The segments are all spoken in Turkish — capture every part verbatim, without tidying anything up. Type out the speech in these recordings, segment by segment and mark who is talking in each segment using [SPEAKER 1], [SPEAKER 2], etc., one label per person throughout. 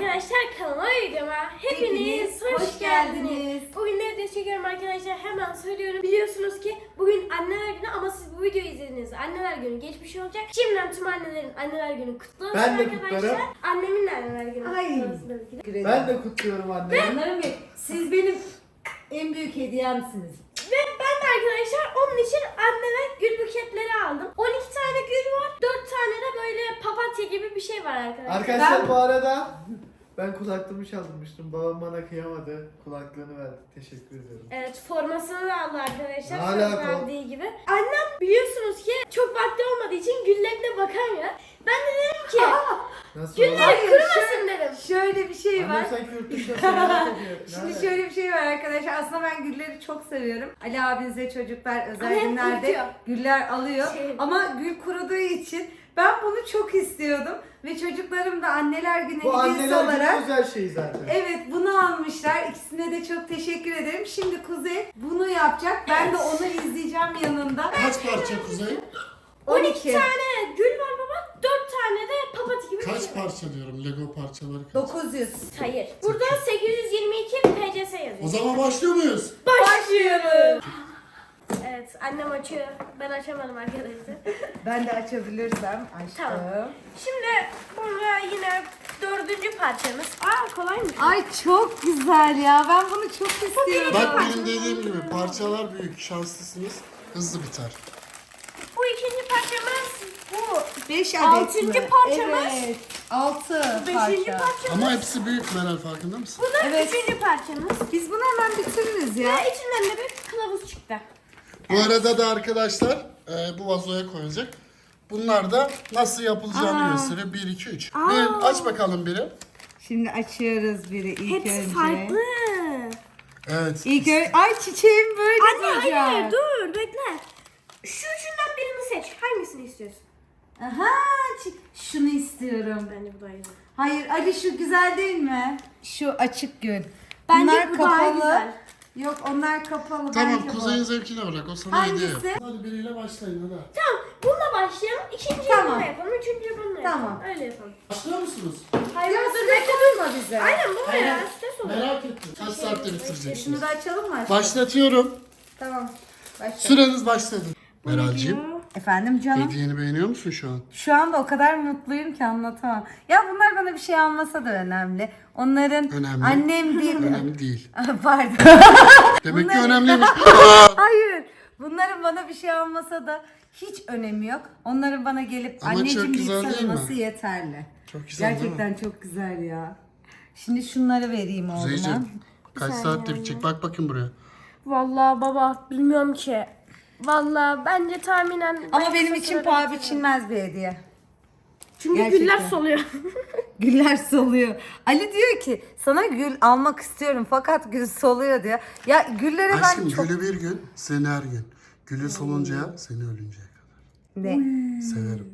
[SPEAKER 1] arkadaşlar, kanalıma videoma hepiniz,
[SPEAKER 2] Hepiniz
[SPEAKER 1] hoş,
[SPEAKER 2] hoş
[SPEAKER 1] geldiniz.
[SPEAKER 2] geldiniz.
[SPEAKER 1] Bugün ne video çekiyorum arkadaşlar, hemen söylüyorum. Biliyorsunuz ki bugün anneler günü ama siz bu videoyu izlediğinizde anneler günü geçmiş olacak. Şimdiden tüm annelerin anneler günü kutlu olsun
[SPEAKER 3] Ben de
[SPEAKER 1] arkadaşlar.
[SPEAKER 3] kutlarım.
[SPEAKER 1] Annemin de anneler günü
[SPEAKER 2] Ay.
[SPEAKER 1] kutlu olsun tabii ki de.
[SPEAKER 3] Ben de kutluyorum anne.
[SPEAKER 2] Canlarım benim, siz benim en büyük hediyemsiniz.
[SPEAKER 1] Ve ben de arkadaşlar onun için anneme gül buketleri aldım. on iki tane gül var, dört tane de böyle papatya gibi bir şey var arkadaşlar.
[SPEAKER 3] Arkadaşlar
[SPEAKER 2] Ben-
[SPEAKER 3] bu arada ben kulaklığımı çaldırmıştım. Babam bana kıyamadı. Kulaklığını verdi. Teşekkür ederim.
[SPEAKER 1] Evet, formasını da aldı arkadaşlar.
[SPEAKER 3] Ne
[SPEAKER 1] Söz
[SPEAKER 3] alaka?
[SPEAKER 1] verdiği gibi. Annem biliyorsunuz ki çok vakti olmadığı için güllerine bakamıyor. Ben de dedim ki
[SPEAKER 3] Nasıl
[SPEAKER 1] gülleri
[SPEAKER 3] oldu?
[SPEAKER 2] Hayır,
[SPEAKER 1] kurumasın dedim.
[SPEAKER 2] Şöyle bir şey var.
[SPEAKER 3] Annem sanki yurt dışına seyahat ediyor.
[SPEAKER 2] Şimdi
[SPEAKER 3] Nerede?
[SPEAKER 2] şöyle bir şey var arkadaşlar. Aslında ben gülleri çok seviyorum. Ali abinize çocuklar özel
[SPEAKER 1] Ama hep
[SPEAKER 2] günlerde
[SPEAKER 1] kurutuyor.
[SPEAKER 2] güller alıyor.
[SPEAKER 1] Şey-
[SPEAKER 2] Ama gül kuruduğu için ben bunu çok istiyordum. Ve çocuklarım da anneler günü
[SPEAKER 3] Bu
[SPEAKER 2] hediyesi
[SPEAKER 3] anneler
[SPEAKER 2] olarak
[SPEAKER 3] günü özel şey zaten.
[SPEAKER 2] evet bunu almışlar. İkisine de çok teşekkür ederim. Şimdi Kuzey bunu yapacak. Ben de onu izleyeceğim yanında.
[SPEAKER 4] Kaç parça Kuzey?
[SPEAKER 1] on iki tane gül var baba. dört tane de papatya gibi bir
[SPEAKER 4] Kaç
[SPEAKER 1] şey var.
[SPEAKER 4] parça diyorum Lego parçaları kaç?
[SPEAKER 2] dokuz yüz.
[SPEAKER 1] Hayır. Burada sekiz yüz yirmi iki P C S yazıyor.
[SPEAKER 4] O zaman başlıyor muyuz?
[SPEAKER 2] Başlıyoruz.
[SPEAKER 1] Evet, annem açıyor. Ben açamadım arkadaşlar.
[SPEAKER 2] Ben de açabilirsem açtım.
[SPEAKER 1] Tamam. Şimdi burada yine dördüncü parçamız. Aa, kolaymış.
[SPEAKER 2] Ay çok güzel ya. Ben bunu çok istiyorum.
[SPEAKER 4] Bak benim dediğim gibi parçalar büyük, şanslısınız. Hızlı biter.
[SPEAKER 1] Bu ikinci parçamız bu.
[SPEAKER 2] beş adet
[SPEAKER 1] Altıncı
[SPEAKER 2] mi?
[SPEAKER 1] parçamız.
[SPEAKER 2] Evet. altı
[SPEAKER 1] Beşinci
[SPEAKER 2] parça.
[SPEAKER 1] parçamız.
[SPEAKER 4] Ama hepsi büyük Meral, farkında mısın?
[SPEAKER 1] Bu da
[SPEAKER 2] Evet.
[SPEAKER 1] üçüncü parçamız.
[SPEAKER 2] Biz bunu hemen bitiririz ya.
[SPEAKER 1] Ve içinden de bir kılavuz çıktı.
[SPEAKER 4] Bu arada da arkadaşlar e, bu vazoya koyacak. Bunlar da nasıl yapılacağını
[SPEAKER 2] Aa.
[SPEAKER 4] gösteriyor. bir, iki, üç.
[SPEAKER 1] Aa.
[SPEAKER 4] Bir, aç bakalım biri.
[SPEAKER 2] Şimdi açıyoruz biri ilk
[SPEAKER 1] Hepsi
[SPEAKER 2] önce.
[SPEAKER 1] farklı.
[SPEAKER 4] Evet.
[SPEAKER 2] İlk önce ay çiçeğim böyle
[SPEAKER 1] Anne
[SPEAKER 2] duracak.
[SPEAKER 1] hayır dur bekle. Şu üçünden birini seç. Hangisini istiyorsun?
[SPEAKER 2] Aha çi- şunu istiyorum.
[SPEAKER 1] Bence bu daha iyi.
[SPEAKER 2] Hayır Ali şu güzel değil mi? Şu açık gül.
[SPEAKER 1] Bence
[SPEAKER 2] Bunlar
[SPEAKER 1] bu daha
[SPEAKER 2] kapalı.
[SPEAKER 1] güzel.
[SPEAKER 2] Yok onlar kapalı.
[SPEAKER 4] Tamam,
[SPEAKER 2] bence bu.
[SPEAKER 4] Kuzey'in zevkine bırak. O sana hediye
[SPEAKER 2] Hangisi?
[SPEAKER 4] yap. Hadi biriyle başlayın hadi.
[SPEAKER 1] Tamam, bununla başlayalım. İkinciyi
[SPEAKER 2] Tamam.
[SPEAKER 1] bununla yapalım. Üçüncüyü bununla yapalım.
[SPEAKER 2] Tamam.
[SPEAKER 1] Öyle yapalım.
[SPEAKER 4] Başlıyor musunuz?
[SPEAKER 1] Hayır,
[SPEAKER 2] Ya
[SPEAKER 1] dur
[SPEAKER 2] stres
[SPEAKER 1] bekle.
[SPEAKER 2] olma bize.
[SPEAKER 1] Aynen bu
[SPEAKER 4] Aynen.
[SPEAKER 1] ya. Stres olur.
[SPEAKER 4] Merak ettim. Kaç saatte bitireceksiniz?
[SPEAKER 2] Şunu da açalım mı?
[SPEAKER 4] Başlatıyorum.
[SPEAKER 2] Tamam. Başla.
[SPEAKER 4] Süreniz başladı. Meral'cığım,
[SPEAKER 2] Efendim canım.
[SPEAKER 4] hediyeni beğeniyor musun şu an?
[SPEAKER 2] Şu anda o kadar mutluyum ki anlatamam. Ya bunlar bana bir şey almasa da önemli. Onların
[SPEAKER 4] Önemli.
[SPEAKER 2] annem değil.
[SPEAKER 4] Önemli değil.
[SPEAKER 2] Pardon.
[SPEAKER 4] Demek ki
[SPEAKER 2] Bunlar-
[SPEAKER 4] önemliymiş.
[SPEAKER 2] Hayır. Bunların bana bir şey almasa da hiç önemi yok. Onların bana gelip
[SPEAKER 4] Ama çok
[SPEAKER 2] anneciğim deyip
[SPEAKER 4] güzel değil mi?
[SPEAKER 2] sarılması yeterli.
[SPEAKER 4] Çok güzel değil mi?
[SPEAKER 2] Gerçekten çok güzel ya. Şimdi şunları vereyim oğluma.
[SPEAKER 4] Kuzeyciğim, kaç saatte bitecek? Bak bakın buraya.
[SPEAKER 1] Vallahi baba bilmiyorum ki. Vallahi bence tahminen...
[SPEAKER 2] Ama
[SPEAKER 1] ben
[SPEAKER 2] benim
[SPEAKER 1] kısa
[SPEAKER 2] için
[SPEAKER 1] sürede
[SPEAKER 2] paha
[SPEAKER 1] bitiririm.
[SPEAKER 2] biçilmez bir hediye.
[SPEAKER 1] Çünkü
[SPEAKER 2] Gerçekten.
[SPEAKER 1] güller soluyor.
[SPEAKER 2] Güller soluyor. Ali diyor ki sana gül almak istiyorum fakat gül soluyor diyor. Ya güllere
[SPEAKER 4] Aşkım
[SPEAKER 2] ben çok...
[SPEAKER 4] gülü bir gün, seni her gün. Gülü soluncaya, seni ölünceye kadar.
[SPEAKER 2] Ne?
[SPEAKER 4] Severim.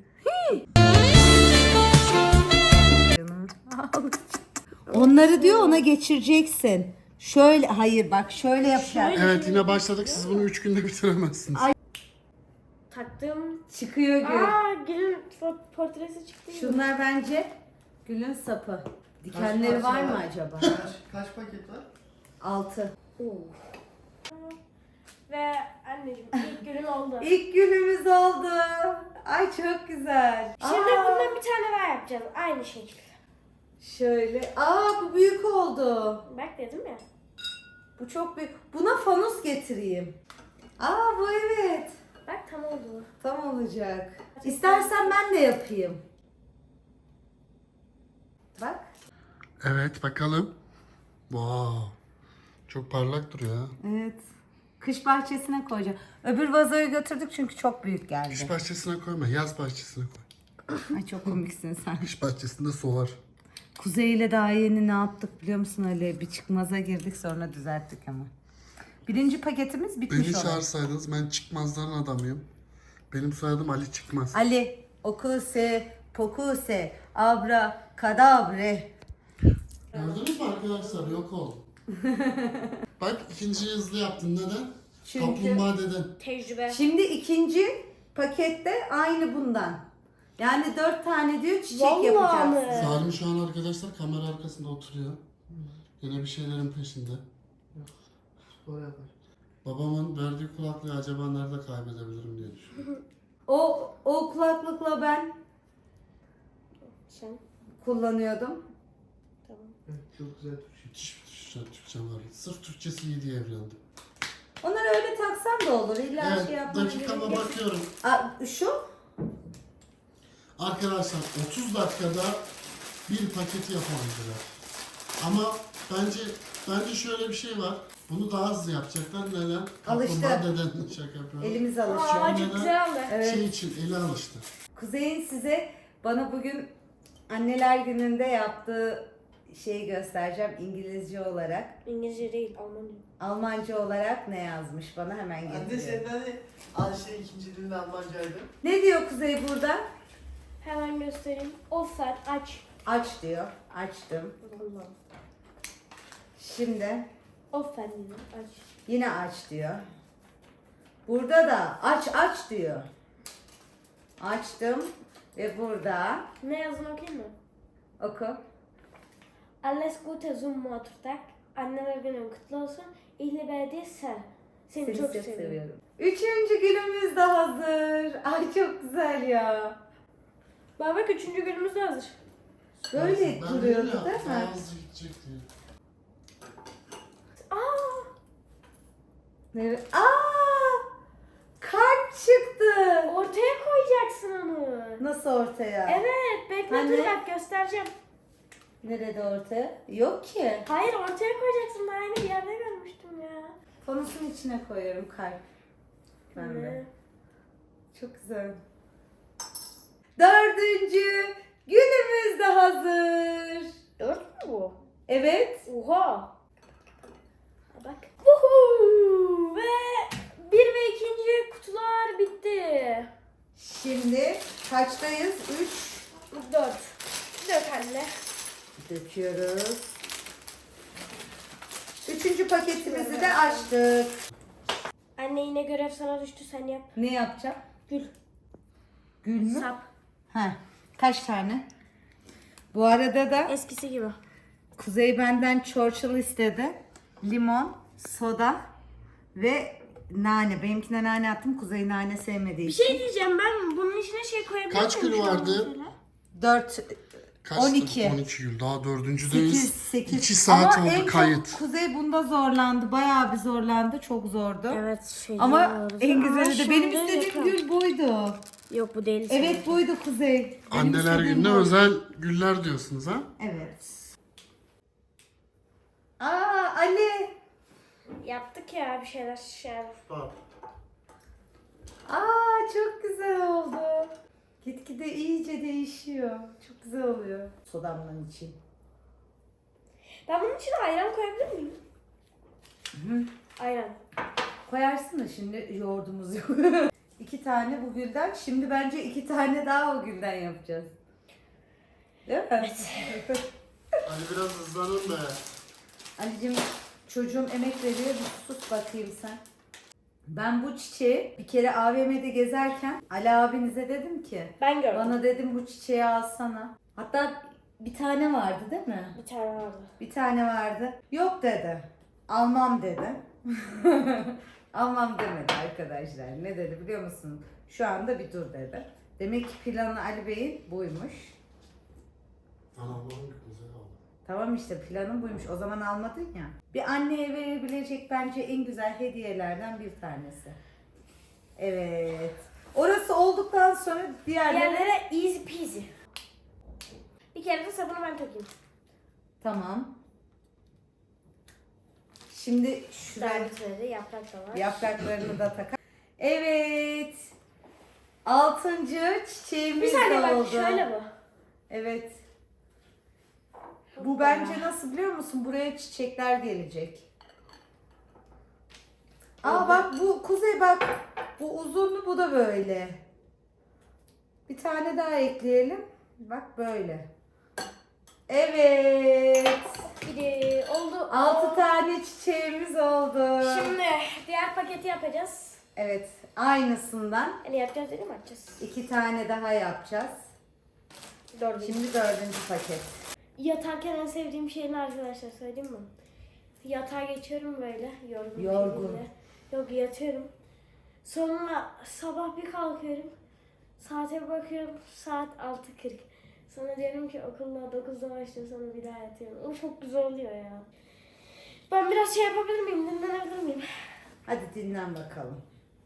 [SPEAKER 2] Onları diyor ona geçireceksin. Şöyle hayır bak şöyle yapacaksın.
[SPEAKER 4] Evet, yine başladık. Siz bunu üç günde bitiremezsiniz.
[SPEAKER 1] Taktım.
[SPEAKER 2] Çıkıyor gül.
[SPEAKER 1] Aa, gülün fo- portresi çıktı.
[SPEAKER 2] Şunlar bence gülün sapı. Dikenleri var mı acaba?
[SPEAKER 3] Kaç, kaç paket var?
[SPEAKER 2] Altı.
[SPEAKER 1] Ve anneciğim ilk gülün oldu.
[SPEAKER 2] İlk gülümüz oldu. Ay çok güzel.
[SPEAKER 1] Şimdi
[SPEAKER 2] Aa,
[SPEAKER 1] bundan bir tane daha yapacağız. Aynı şekilde.
[SPEAKER 2] şöyle. Aa bu büyük oldu.
[SPEAKER 1] Bak dedim ya.
[SPEAKER 2] Bu çok büyük. Buna fanus getireyim. Aa bu evet.
[SPEAKER 1] Bak tam oldu.
[SPEAKER 2] Tam olacak. İstersen ben de yapayım. Bak.
[SPEAKER 4] Evet, bakalım. Wow. Çok parlak duruyor ha.
[SPEAKER 2] Evet. Kış bahçesine koyacağım. Öbür vazoyu götürdük çünkü çok büyük geldi.
[SPEAKER 4] Kış bahçesine koyma, yaz bahçesine koy.
[SPEAKER 2] Ay çok komiksin sen.
[SPEAKER 4] Kış bahçesinde solar.
[SPEAKER 2] Kuzey ile daha yeni ne yaptık biliyor musun Ali? Bir çıkmaza girdik sonra düzelttik ama. Birinci paketimiz bitmiş
[SPEAKER 4] Beni
[SPEAKER 2] olan.
[SPEAKER 4] çağırsaydınız, ben çıkmazların adamıyım. Benim soyadım Ali Çıkmaz.
[SPEAKER 2] Ali, okuse, pokuse, abra, kadabre.
[SPEAKER 4] Gördünüz mü arkadaşlar? Yok oldu. Bak, ikinciyi hızlı yaptın. Neden?
[SPEAKER 2] Çünkü-
[SPEAKER 4] Kaplumbağa deden.
[SPEAKER 1] Tecrübe.
[SPEAKER 2] Şimdi ikinci pakette aynı bundan. Yani dört tane diyor çiçek
[SPEAKER 1] Vallahi
[SPEAKER 2] yapacağız.
[SPEAKER 1] mi?
[SPEAKER 4] Salim şu an arkadaşlar kamera arkasında oturuyor. Yine bir şeylerin peşinde.
[SPEAKER 3] Spor yapar.
[SPEAKER 4] Babamın verdiği kulaklığı acaba nerede kaybedebilirim diye düşünüyorum.
[SPEAKER 2] O o kulaklıkla ben
[SPEAKER 1] Sen.
[SPEAKER 2] kullanıyordum.
[SPEAKER 1] Tamam.
[SPEAKER 3] Evet, çok güzel Türkçe.
[SPEAKER 4] Müthiş bir Türkçe, Türkçe var. Sırf Türkçesi iyi diye evlendim.
[SPEAKER 2] Onları öyle taksan da olur. İlla şey
[SPEAKER 4] Evet,
[SPEAKER 2] yapmana
[SPEAKER 4] dakikama
[SPEAKER 2] gerek yok.
[SPEAKER 4] bakıyorum.
[SPEAKER 2] Aa, şu?
[SPEAKER 4] Arkadaşlar otuz dakikada bir paketi yapabildiler. Ama bence bence şöyle bir şey var. Bunu daha hızlı yapacaklar. Neden?
[SPEAKER 2] Alıştı.
[SPEAKER 4] Kaplumbağa deden şaka yapıyorum.
[SPEAKER 2] Elimiz alışıyor.
[SPEAKER 1] Aa,
[SPEAKER 4] neden?
[SPEAKER 1] çok güzel oldu.
[SPEAKER 2] Evet.
[SPEAKER 4] Şey için eli alıştı.
[SPEAKER 2] Kuzey'in size bana bugün anneler gününde yaptığı şeyi göstereceğim İngilizce olarak.
[SPEAKER 1] İngilizce değil, Almanca.
[SPEAKER 2] Almanca olarak ne yazmış bana hemen
[SPEAKER 3] Anne
[SPEAKER 2] getiriyor.
[SPEAKER 3] senin hani Ayşe ikinci dilin Almancaydı.
[SPEAKER 2] Ne diyor Kuzey burada?
[SPEAKER 1] Hemen göstereyim. Offset aç.
[SPEAKER 2] Aç diyor. Açtım.
[SPEAKER 1] Vallahi.
[SPEAKER 2] Şimdi
[SPEAKER 1] Offset diyor, aç.
[SPEAKER 2] yine aç diyor. Burada da aç aç diyor. Açtım ve burada
[SPEAKER 1] Ne yazdığını okuyayım mı?
[SPEAKER 2] oku.
[SPEAKER 1] Alles Gute zum Muttertag. Anneler günün kutlu olsun. İhli belediye sen. Seni,
[SPEAKER 2] Seni
[SPEAKER 1] çok
[SPEAKER 2] çok
[SPEAKER 1] seviyorum.
[SPEAKER 2] seviyorum. Üçüncü günümüz de hazır. Ay çok güzel ya.
[SPEAKER 1] Bak bak üçüncü günümüz de hazır.
[SPEAKER 2] Böyle
[SPEAKER 4] Ben
[SPEAKER 2] duruyordu
[SPEAKER 4] dedim ya,
[SPEAKER 2] değil
[SPEAKER 4] daha
[SPEAKER 2] mi?
[SPEAKER 4] hızlı gidecek diye.
[SPEAKER 1] Aa!
[SPEAKER 2] Evet. Aa! Kalp çıktı.
[SPEAKER 1] Ortaya koyacaksın onu.
[SPEAKER 2] Nasıl ortaya?
[SPEAKER 1] Evet, bekle
[SPEAKER 2] Anne.
[SPEAKER 1] dur bak göstereceğim.
[SPEAKER 2] Nerede ortaya? Yok ki.
[SPEAKER 1] Hayır ortaya koyacaksın. Ben aynı bir yerde görmüştüm ya.
[SPEAKER 2] Fanusun içine koyuyorum kalp. Ben de.
[SPEAKER 1] Ne?
[SPEAKER 2] Çok güzel. Dördüncü günümüz de hazır.
[SPEAKER 1] Dört mü bu?
[SPEAKER 2] Evet.
[SPEAKER 1] Oha. Ha, bak. Woohoo! Ve bir ve ikinci kutular bitti.
[SPEAKER 2] Şimdi kaçtayız? Üç.
[SPEAKER 1] Dört. Dört anne.
[SPEAKER 2] Döküyoruz. Üçüncü paketimizi de açtık.
[SPEAKER 1] Anne yine görev sana düştü, sen yap.
[SPEAKER 2] Ne yapacağım?
[SPEAKER 1] Gül.
[SPEAKER 2] Gül mü?
[SPEAKER 1] Sap.
[SPEAKER 2] Ha. Kaç tane? Bu arada da
[SPEAKER 1] Eskisi gibi.
[SPEAKER 2] Kuzey benden Churchill istedi. Limon, soda ve nane. Benimkine nane attım. Kuzey nane sevmediği
[SPEAKER 1] Bir
[SPEAKER 2] için.
[SPEAKER 1] şey diyeceğim, ben bunun içine şey koyabilir
[SPEAKER 4] Kaç
[SPEAKER 1] miyim
[SPEAKER 4] kilo
[SPEAKER 1] şu an
[SPEAKER 4] vardı?
[SPEAKER 1] mesela?
[SPEAKER 2] dört,
[SPEAKER 4] Kaçtı?
[SPEAKER 2] on iki.
[SPEAKER 4] on iki yıl. Daha dördüncüdeyiz.
[SPEAKER 2] sekiz, sekiz.
[SPEAKER 4] iki saat
[SPEAKER 2] Ama en
[SPEAKER 4] oldu
[SPEAKER 2] çok
[SPEAKER 4] kayıt.
[SPEAKER 2] Kuzey bunda zorlandı. Bayağı bir zorlandı. Çok zordu.
[SPEAKER 1] Evet şey.
[SPEAKER 2] Ama en güzeli de benim
[SPEAKER 1] şimdi
[SPEAKER 2] istediğim
[SPEAKER 1] yakın.
[SPEAKER 2] gül buydu.
[SPEAKER 1] Yok bu değil.
[SPEAKER 2] Evet buydu Kuzey. Benim
[SPEAKER 4] Anneler
[SPEAKER 2] istediğim
[SPEAKER 4] gününe
[SPEAKER 2] bu.
[SPEAKER 4] özel güller diyorsunuz ha?
[SPEAKER 2] Evet. Aa Ali.
[SPEAKER 1] Yaptık ya bir şeyler şeyler.
[SPEAKER 3] Bak.
[SPEAKER 2] Aa çok güzel oldu. Gitgide iyice değişiyor. Çok güzel oluyor. Sodamdan için.
[SPEAKER 1] Ben bunun içine ayran koyabilir miyim?
[SPEAKER 2] Hı.
[SPEAKER 1] Ayran.
[SPEAKER 2] Koyarsın da şimdi yoğurdumuz yok. İki tane bu gülden. Şimdi bence iki tane daha o gülden yapacağız. Değil mi? Evet.
[SPEAKER 4] Hadi biraz hızlanın be.
[SPEAKER 2] Ali'cim çocuğum emek veriyor. Bir sus bakayım sen. Ben bu çiçeği bir kere A V M'de gezerken Ali abinize dedim ki
[SPEAKER 1] Ben gördüm.
[SPEAKER 2] bana dedim bu çiçeği alsana. Hatta bir tane vardı değil mi?
[SPEAKER 1] Bir tane vardı.
[SPEAKER 2] Bir tane vardı. Yok dedi. Almam dedi. Almam demedi arkadaşlar. Ne dedi biliyor musun? Şu anda bir dur dedi. Demek ki planı Ali Bey'in buymuş.
[SPEAKER 4] Anam güzel oldu.
[SPEAKER 2] Tamam işte planın buymuş. O zaman almadın ya. Bir anneye verebilecek bence en güzel hediyelerden bir tanesi. Evet. Orası olduktan sonra diğerleri...
[SPEAKER 1] Diğerlere easy peasy. Bir kere de sabunu ben takayım.
[SPEAKER 2] Tamam. Şimdi şuraya
[SPEAKER 1] Servisleri, yaprak da var.
[SPEAKER 2] yapraklarını da takar. Evet. Altıncı çiçeğimiz
[SPEAKER 1] Bir saniye
[SPEAKER 2] oldu.
[SPEAKER 1] bak şöyle bu.
[SPEAKER 2] Evet. Bu bence nasıl biliyor musun? Buraya çiçekler gelecek. Aa bak bu Kuzey bak. Bu uzunlu bu da böyle. Bir tane daha ekleyelim. Bak böyle. Evet.
[SPEAKER 1] Biri oldu.
[SPEAKER 2] Altı tane çiçeğimiz oldu.
[SPEAKER 1] Şimdi diğer paketi yapacağız.
[SPEAKER 2] Evet. Aynısından
[SPEAKER 1] Hani yapacağız dedim açacağız.
[SPEAKER 2] iki tane daha yapacağız.
[SPEAKER 1] Dördüncü.
[SPEAKER 2] Şimdi dördüncü paket.
[SPEAKER 1] Yatarken en sevdiğim şey ne arkadaşlar söyleyeyim mi? Yatağa geçiyorum böyle yorgun. bir
[SPEAKER 2] Yorgun.
[SPEAKER 1] şekilde. Yok yatıyorum. Sonra sabah bir kalkıyorum. Saate bakıyorum saat altı kırk. Sonra diyorum ki okulda dokuzda başlıyor sonra bir daha yatıyorum. O çok güzel oluyor ya. Ben biraz şey yapabilir miyim? Dinlenebilir miyim?
[SPEAKER 2] Hadi dinlen bakalım.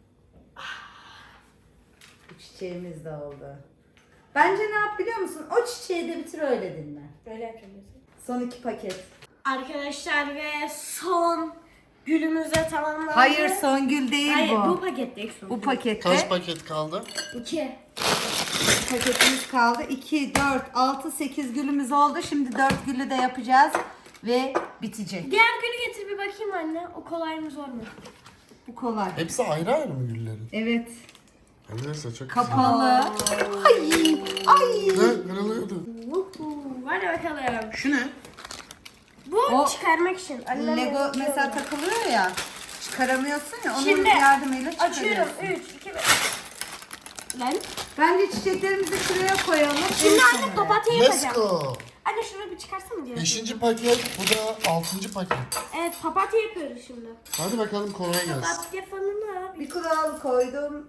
[SPEAKER 2] Bu çiçeğimiz de oldu. Bence ne yap biliyor musun? O çiçeği de bitir öyle dinlen.
[SPEAKER 1] Böyle yapacağım diyorsun.
[SPEAKER 2] Son iki paket.
[SPEAKER 1] Arkadaşlar ve son gülümüz de tamamlandı.
[SPEAKER 2] Hayır Songül değil
[SPEAKER 1] Hayır,
[SPEAKER 2] bu.
[SPEAKER 1] bu pakette son.
[SPEAKER 2] Bu pakette
[SPEAKER 4] Kaç paket kaldı?
[SPEAKER 1] İki.
[SPEAKER 2] paketimiz kaldı. iki, dört, altı, sekiz gülümüz oldu. Şimdi dört gülü de yapacağız ve bitecek.
[SPEAKER 1] Diğer gülü getir bir bakayım anne. O kolay mı zor mu?
[SPEAKER 2] Bu kolay.
[SPEAKER 4] Hepsi ayrı ayrı mı güllerin?
[SPEAKER 2] Evet.
[SPEAKER 4] Neyse çok
[SPEAKER 2] Kapalı. Ay, ay.
[SPEAKER 4] güzel. Ne? Kırılıyordu.
[SPEAKER 1] Vuhuu. Hadi bakalım.
[SPEAKER 4] Şu ne?
[SPEAKER 1] Bu
[SPEAKER 2] O
[SPEAKER 1] çıkarmak için. Annem
[SPEAKER 2] Lego
[SPEAKER 1] yapıyor.
[SPEAKER 2] mesela takılıyor ya. Çıkaramıyorsun ya. Onun
[SPEAKER 1] Şimdi
[SPEAKER 2] yardımıyla
[SPEAKER 1] Açıyorum.
[SPEAKER 2] çıkarıyorsun.
[SPEAKER 1] üç, iki, bir. Lan.
[SPEAKER 2] Bence çiçeklerimizi şuraya koyalım.
[SPEAKER 1] Şimdi
[SPEAKER 2] En
[SPEAKER 1] anne
[SPEAKER 2] sona.
[SPEAKER 1] papatya
[SPEAKER 4] Let's
[SPEAKER 1] yapacağım.
[SPEAKER 4] go.
[SPEAKER 1] Anne şunu bir çıkarsana diye.
[SPEAKER 4] Beşinci paket, bu da altıncı paket.
[SPEAKER 1] Evet papatya yapıyoruz şimdi.
[SPEAKER 4] Hadi bakalım kolay gelsin.
[SPEAKER 1] Papatya falan abi.
[SPEAKER 2] Bir kural koydum.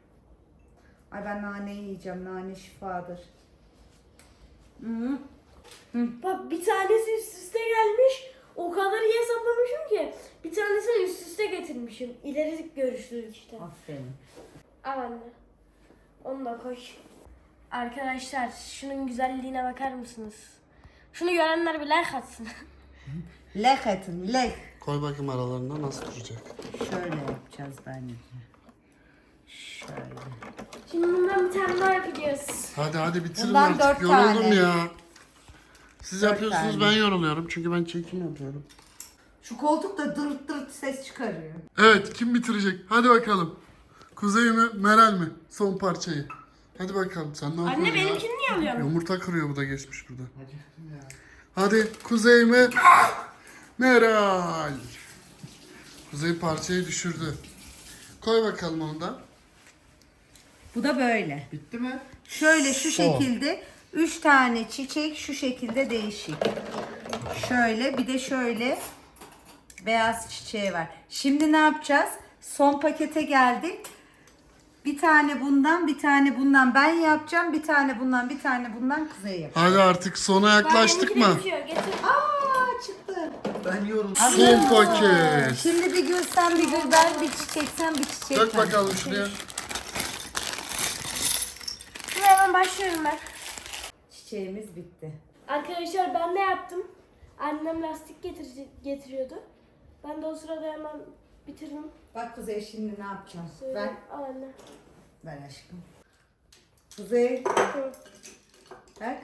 [SPEAKER 2] Ay ben nane yiyeceğim. Nane şifadır. Hı.
[SPEAKER 1] Bak bir tanesi üst üste gelmiş. O kadar iyi hesaplamışım ki. Bir tanesini üst üste getirmişim. İleri görüşlülük işte.
[SPEAKER 2] Aferin.
[SPEAKER 1] Al anne. Onu da koy. Arkadaşlar şunun güzelliğine bakar mısınız? Şunu görenler bir like atsın.
[SPEAKER 2] Lek etin, lek.
[SPEAKER 4] Koy bakayım aralarında nasıl duracak.
[SPEAKER 2] Şöyle yapacağız bence. Şöyle.
[SPEAKER 1] Şimdi bundan bir tane daha yapacağız.
[SPEAKER 4] Hadi hadi bitirin
[SPEAKER 2] Bundan
[SPEAKER 4] artık.
[SPEAKER 2] dört
[SPEAKER 4] Yoruldum
[SPEAKER 2] tane.
[SPEAKER 4] ya. Siz
[SPEAKER 2] Dört
[SPEAKER 4] yapıyorsunuz
[SPEAKER 2] tane.
[SPEAKER 4] ben yoruluyorum çünkü ben çekim yapıyorum.
[SPEAKER 2] Şu koltuk da dırt dırt ses çıkarıyor.
[SPEAKER 4] Evet kim bitirecek? Hadi bakalım. Kuzey mi Meral mi? Son parçayı. Hadi bakalım sen ne yapıyorsun
[SPEAKER 1] Anne
[SPEAKER 4] ya?
[SPEAKER 1] benimkini niye alıyorsun?
[SPEAKER 4] Yumurta kırıyor bu da geçmiş burada. Hadi Kuzey mi? Meral. Kuzey parçayı düşürdü. Koy bakalım onu da.
[SPEAKER 2] Bu da böyle.
[SPEAKER 3] Bitti mi?
[SPEAKER 2] Şöyle şu
[SPEAKER 4] Son.
[SPEAKER 2] şekilde üç tane çiçek şu şekilde değişik. Şöyle bir de şöyle beyaz çiçeği var. Şimdi ne yapacağız? Son pakete geldik. Bir tane bundan, bir tane bundan ben yapacağım. Bir tane bundan, bir tane bundan Kuzey yapacak.
[SPEAKER 4] Hadi artık sona yaklaştık
[SPEAKER 1] Benimki de
[SPEAKER 4] mı?
[SPEAKER 1] bitiyor, getir.
[SPEAKER 2] Aa çıktı.
[SPEAKER 3] Ben yoruldum.
[SPEAKER 4] Son paket.
[SPEAKER 2] Şimdi bir gül sen, bir gül ben, bir çiçek sen, bir çiçek
[SPEAKER 4] Dök
[SPEAKER 2] ben.
[SPEAKER 4] bakalım şuraya.
[SPEAKER 1] Şimdi hemen başlıyorum ben.
[SPEAKER 2] Çiçeğimiz bitti.
[SPEAKER 1] Arkadaşlar ben de yaptım. Annem lastik getir getiriyordu. Ben de o sırada hemen bitirdim.
[SPEAKER 2] Bak Kuzey şimdi ne yapacağım?
[SPEAKER 1] Söyle.
[SPEAKER 2] Ver,
[SPEAKER 1] Al anne.
[SPEAKER 2] ver aşkım. Kuzey,
[SPEAKER 1] Hı.
[SPEAKER 2] bak.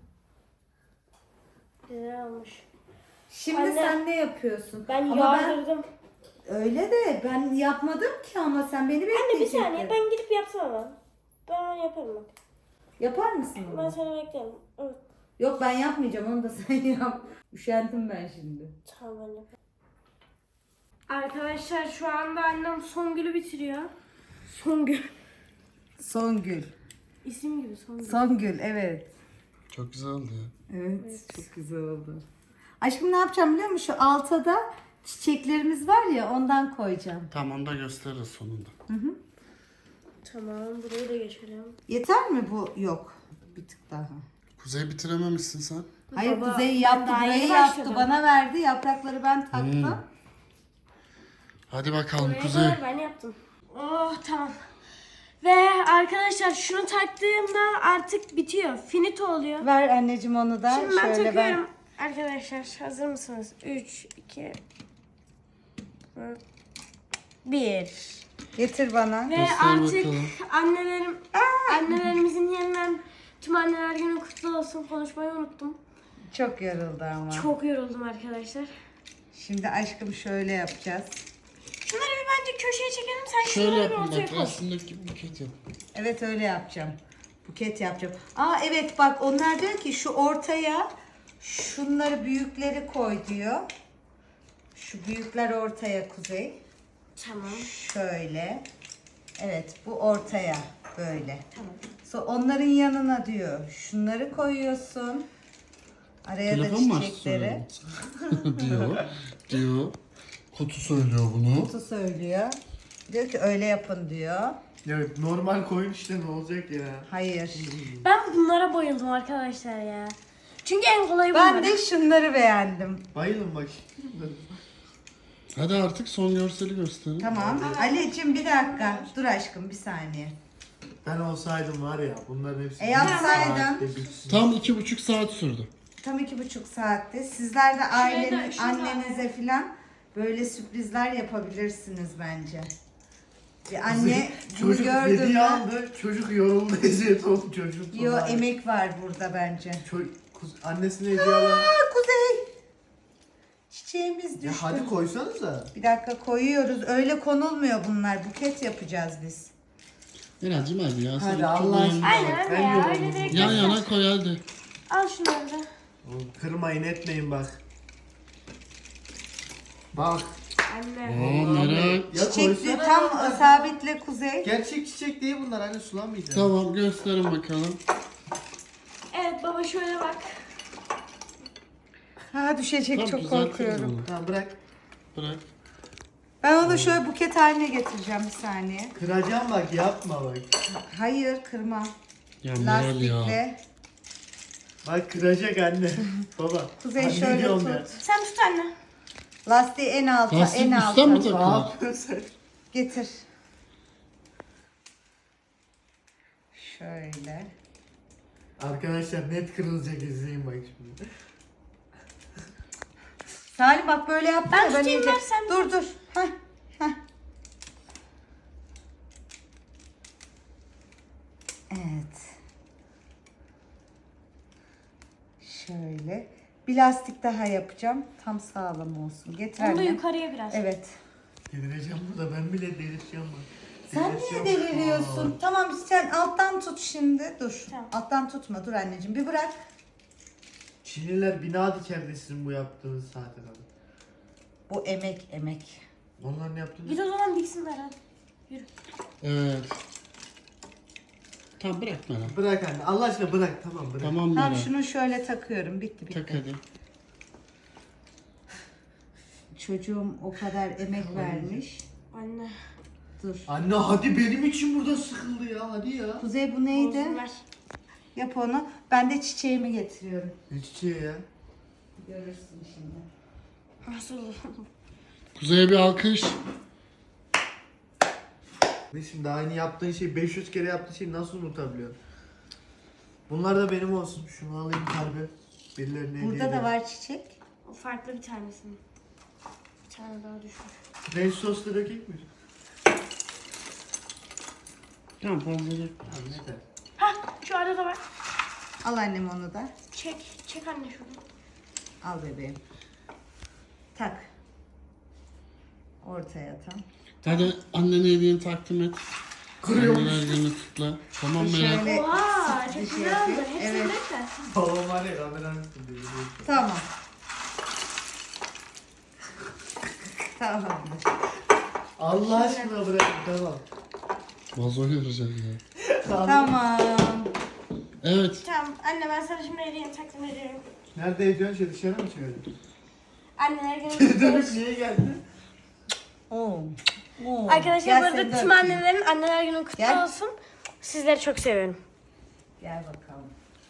[SPEAKER 1] Güzel olmuş.
[SPEAKER 2] Şimdi
[SPEAKER 1] Anne,
[SPEAKER 2] sen ne yapıyorsun?
[SPEAKER 1] Ben
[SPEAKER 2] Ama
[SPEAKER 1] yağdırdım.
[SPEAKER 2] öyle de ben yapmadım ki ama sen beni
[SPEAKER 1] Anne bir
[SPEAKER 2] bekleyecektin.
[SPEAKER 1] saniye ben gidip yapsam ama. Ben yaparım bak.
[SPEAKER 2] Yapar mısın
[SPEAKER 1] Ben
[SPEAKER 2] onu?
[SPEAKER 1] seni beklerim. Evet.
[SPEAKER 2] Yok ben yapmayacağım onu da sen yap. Üşendim ben şimdi.
[SPEAKER 1] Tamam ben yaparım. Arkadaşlar şu anda annem Songül'ü bitiriyor. Songül.
[SPEAKER 2] Songül.
[SPEAKER 1] İsim gibi Songül.
[SPEAKER 2] Songül evet.
[SPEAKER 4] Çok güzel oldu ya.
[SPEAKER 2] Evet, çok güzel oldu. Aşkım ne yapacağım biliyor musun? Şu alta da çiçeklerimiz var ya ondan koyacağım.
[SPEAKER 4] Tamam onu da gösteririz sonunda.
[SPEAKER 1] Tamam burayı da geçelim.
[SPEAKER 2] Yeter mi bu? Yok. Bir tık daha.
[SPEAKER 4] Kuzey bitirememişsin sen.
[SPEAKER 2] Hayır
[SPEAKER 1] Baba,
[SPEAKER 2] Kuzey
[SPEAKER 1] ben
[SPEAKER 2] yaptı,
[SPEAKER 1] daha
[SPEAKER 2] burayı
[SPEAKER 1] yeni
[SPEAKER 2] yaptı,
[SPEAKER 1] başladım.
[SPEAKER 2] bana verdi. Yaprakları ben taktım.
[SPEAKER 4] Hmm. Hadi bakalım
[SPEAKER 1] Burayı
[SPEAKER 4] Kuzey.
[SPEAKER 1] da ben yaptım. Oh tamam. Ve arkadaşlar şunu taktığımda artık bitiyor. Finito oluyor.
[SPEAKER 2] Ver anneciğim onu da.
[SPEAKER 1] Şimdi ben
[SPEAKER 2] Şöyle
[SPEAKER 1] takıyorum. Arkadaşlar hazır mısınız? üç, iki, bir.
[SPEAKER 2] Getir bana.
[SPEAKER 1] Ve
[SPEAKER 4] Göster
[SPEAKER 1] artık
[SPEAKER 4] bakalım.
[SPEAKER 1] annelerim, annelerimizin yeniden tüm anneler günü kutlu olsun. Konuşmayı unuttum.
[SPEAKER 2] Çok yoruldu ama.
[SPEAKER 1] Çok yoruldum arkadaşlar.
[SPEAKER 2] Şimdi aşkım şöyle yapacağız.
[SPEAKER 1] Şunları bir bence köşeye çekelim. Sen
[SPEAKER 4] Şöyle
[SPEAKER 1] şunları bir
[SPEAKER 4] yapın
[SPEAKER 1] ortaya
[SPEAKER 4] bak
[SPEAKER 1] koy.
[SPEAKER 4] resimdeki gibi buket yap.
[SPEAKER 2] Evet öyle yapacağım. Buket yapacağım. Aa evet bak onlar diyor ki şu ortaya şunları büyükleri koy diyor. Şu büyükler ortaya Kuzey.
[SPEAKER 1] Tamam.
[SPEAKER 2] Şöyle. Evet bu ortaya böyle.
[SPEAKER 1] Tamam.
[SPEAKER 2] So, onların yanına diyor. Şunları koyuyorsun. Araya
[SPEAKER 4] Telefon mu
[SPEAKER 2] da
[SPEAKER 4] açtı
[SPEAKER 2] çiçekleri.
[SPEAKER 4] söylüyor? diyor. Diyor. Kutu söylüyor bunu.
[SPEAKER 2] Kutu söylüyor. Diyor ki öyle yapın diyor.
[SPEAKER 3] Ya normal koyun işte ne olacak ya.
[SPEAKER 2] Hayır.
[SPEAKER 1] Ben bunlara bayıldım arkadaşlar ya. Çünkü en kolayı
[SPEAKER 2] Ben
[SPEAKER 1] bunlar.
[SPEAKER 2] de şunları beğendim.
[SPEAKER 3] Bayılın bak.
[SPEAKER 4] Hadi artık son görseli gösterin.
[SPEAKER 2] Tamam. Ali'cim bir dakika. Dur aşkım bir saniye.
[SPEAKER 3] Ben olsaydım var ya bunların hepsi.
[SPEAKER 2] E yapsaydın.
[SPEAKER 3] saatte bitsin.
[SPEAKER 4] Tam iki buçuk saat sürdü.
[SPEAKER 2] Tam iki buçuk saatte. Sizler de ailenin,
[SPEAKER 1] şurada.
[SPEAKER 2] annenize filan böyle sürprizler yapabilirsiniz bence. Bir anne bunu
[SPEAKER 3] Çocuk
[SPEAKER 2] gördü
[SPEAKER 3] hediye
[SPEAKER 2] mü?
[SPEAKER 3] aldı. Çocuk yoruldu eziyet oldu çocuk.
[SPEAKER 2] Yo
[SPEAKER 3] falan.
[SPEAKER 2] emek var burada bence.
[SPEAKER 3] Çocuk, kuz- annesine hediye alan.
[SPEAKER 2] Aa Kuzey. Çiçeğimiz düştü.
[SPEAKER 3] Ya hadi koysanıza.
[SPEAKER 2] Bir dakika koyuyoruz. Öyle konulmuyor bunlar. Buket yapacağız biz.
[SPEAKER 4] Miracım hadi ya. Sen
[SPEAKER 3] Hadi
[SPEAKER 4] çok
[SPEAKER 3] Allah
[SPEAKER 4] beğendin.
[SPEAKER 3] aşkına.
[SPEAKER 1] Aynen
[SPEAKER 3] Ben
[SPEAKER 1] öyle ya.
[SPEAKER 3] yoruldum.
[SPEAKER 1] Öyle direkt
[SPEAKER 4] Yan
[SPEAKER 1] göster.
[SPEAKER 4] yana koy hadi.
[SPEAKER 1] Al şunları da.
[SPEAKER 3] Oğlum, kırmayın etmeyin bak. Bak.
[SPEAKER 1] Anne.
[SPEAKER 4] Oo Meral.
[SPEAKER 3] Ya
[SPEAKER 2] Çiçek
[SPEAKER 3] koysana
[SPEAKER 2] tam
[SPEAKER 3] ya.
[SPEAKER 2] sabitle Kuzey.
[SPEAKER 3] Gerçek çiçek değil bunlar hani sulamayacağım.
[SPEAKER 4] Tamam gösterin bakalım.
[SPEAKER 1] Evet baba şöyle bak.
[SPEAKER 2] Ha düşecek
[SPEAKER 4] Tamam,
[SPEAKER 2] çok
[SPEAKER 4] düzeltiriz
[SPEAKER 2] korkuyorum.
[SPEAKER 4] onu.
[SPEAKER 3] Tamam bırak.
[SPEAKER 4] Bırak.
[SPEAKER 2] Ben onu şöyle buket haline getireceğim bir saniye.
[SPEAKER 3] Kıracağım bak yapma bak.
[SPEAKER 2] Hayır kırma.
[SPEAKER 4] Ya Meral ya.
[SPEAKER 2] Lastikle.
[SPEAKER 3] Bak kıracak anne. Baba.
[SPEAKER 2] Kuzey
[SPEAKER 3] anne
[SPEAKER 2] şöyle
[SPEAKER 3] diyorum
[SPEAKER 2] tut.
[SPEAKER 3] ya.
[SPEAKER 1] Sen tut anne.
[SPEAKER 2] Lastiği en alta,
[SPEAKER 4] Lastik
[SPEAKER 2] en
[SPEAKER 4] üstten mi
[SPEAKER 2] alta.
[SPEAKER 3] Ne
[SPEAKER 4] takılır?
[SPEAKER 3] yapıyorsun sen?
[SPEAKER 2] Getir. Şöyle.
[SPEAKER 3] Arkadaşlar net kırılacak izleyin bak şimdi.
[SPEAKER 2] Salim bak böyle yaptın
[SPEAKER 1] Ben
[SPEAKER 2] ya,
[SPEAKER 1] tutayım,
[SPEAKER 2] iyice-
[SPEAKER 1] ver sen
[SPEAKER 2] Dur dur. Heh, heh. Evet. Şöyle. Bir lastik daha yapacağım. Tam sağlam olsun. Getir
[SPEAKER 1] Onu da
[SPEAKER 2] annem.
[SPEAKER 1] yukarıya biraz.
[SPEAKER 2] Evet.
[SPEAKER 3] Delireceğim burada ben bile delireceğim bak.
[SPEAKER 2] Sen niye
[SPEAKER 3] Delireceğim.
[SPEAKER 2] deliriyorsun? Tamam sen alttan tut şimdi. Dur.
[SPEAKER 1] Tamam.
[SPEAKER 2] Alttan tutma. Dur anneciğim. Bir bırak.
[SPEAKER 3] Çinliler bina dikerdi sizin bu yaptığınız saate kadar.
[SPEAKER 2] Bu emek emek.
[SPEAKER 3] Onların yaptığını...
[SPEAKER 1] Git o zaman diksinler hadi. Yürü.
[SPEAKER 4] Evet. Tamam bırak Meral.
[SPEAKER 3] Bırak anne Allah aşkına bırak tamam bırak.
[SPEAKER 4] Tamam
[SPEAKER 2] Tamam
[SPEAKER 4] Meral.
[SPEAKER 2] şunu şöyle takıyorum. Bitti bitti.
[SPEAKER 4] Tak hadi.
[SPEAKER 2] Çocuğum o kadar emek vermiş.
[SPEAKER 1] Anne.
[SPEAKER 2] Dur.
[SPEAKER 3] Anne hadi benim için burada sıkıldı ya hadi ya.
[SPEAKER 2] Kuzey bu neydi?
[SPEAKER 1] Olsun, ver.
[SPEAKER 2] Yap onu. Ben de çiçeğimi getiriyorum.
[SPEAKER 3] Ne çiçeği ya?
[SPEAKER 2] Görürsün şimdi.
[SPEAKER 1] Nasıl olur?
[SPEAKER 4] Kuzey'e bir alkış.
[SPEAKER 3] Ne şimdi aynı yaptığın şey beş yüz kere yaptığın şeyi nasıl unutabiliyorsun? Bunlar da benim olsun. Şunu alayım kalbi. Birilerine hediye
[SPEAKER 2] Burada da
[SPEAKER 3] edeyim.
[SPEAKER 2] var çiçek.
[SPEAKER 1] O farklı bir tanesini. Bir tane daha düşmüş.
[SPEAKER 3] Ranch soslu dökeyim mi?
[SPEAKER 4] Tamam fazla değil.
[SPEAKER 3] Tamam yeter.
[SPEAKER 1] Hah şu arada var.
[SPEAKER 2] Al annem onu da.
[SPEAKER 1] Çek. Çek anne şunu.
[SPEAKER 2] Al bebeğim. Tak. Ortaya tam.
[SPEAKER 4] Hadi annene hediyeni takdim et.
[SPEAKER 3] Kırıyormuş.
[SPEAKER 4] Anneler günü kutla. Tamam Meral.
[SPEAKER 2] Şöyle
[SPEAKER 1] Oha
[SPEAKER 2] bir
[SPEAKER 1] çok
[SPEAKER 2] şey
[SPEAKER 1] güzel oldu.
[SPEAKER 2] yapayım.
[SPEAKER 1] Hepsini
[SPEAKER 2] Evet.
[SPEAKER 1] dök de.
[SPEAKER 3] Babam var ya kameranın üstünde.
[SPEAKER 2] Tamam. Tamamdır.
[SPEAKER 3] Allah aşkına bırakın tamam.
[SPEAKER 4] Vazo yarayacak ya.
[SPEAKER 2] Tamam.
[SPEAKER 4] Evet.
[SPEAKER 1] Tamam anne ben sana şimdi hediyeni takdim ediyorum.
[SPEAKER 3] Nerede ediyorsun şey dışarı mı çıkıyorsun?
[SPEAKER 1] Anneler günü
[SPEAKER 3] Dönüp niye geldin?
[SPEAKER 2] Oo. Oo.
[SPEAKER 1] Arkadaşlar
[SPEAKER 2] Gel
[SPEAKER 1] bu arada
[SPEAKER 2] seni de
[SPEAKER 1] tüm
[SPEAKER 2] öpeyim.
[SPEAKER 1] annelerin anneler günü kutlu
[SPEAKER 2] Gel.
[SPEAKER 1] olsun. Sizleri çok seviyorum.
[SPEAKER 2] Gel bakalım.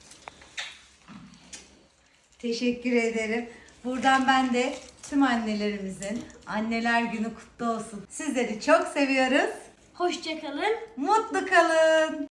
[SPEAKER 2] Teşekkür ederim. Buradan ben de tüm annelerimizin anneler günü kutlu olsun. Sizleri çok seviyoruz.
[SPEAKER 1] Hoşçakalın.
[SPEAKER 2] Mutlu kalın.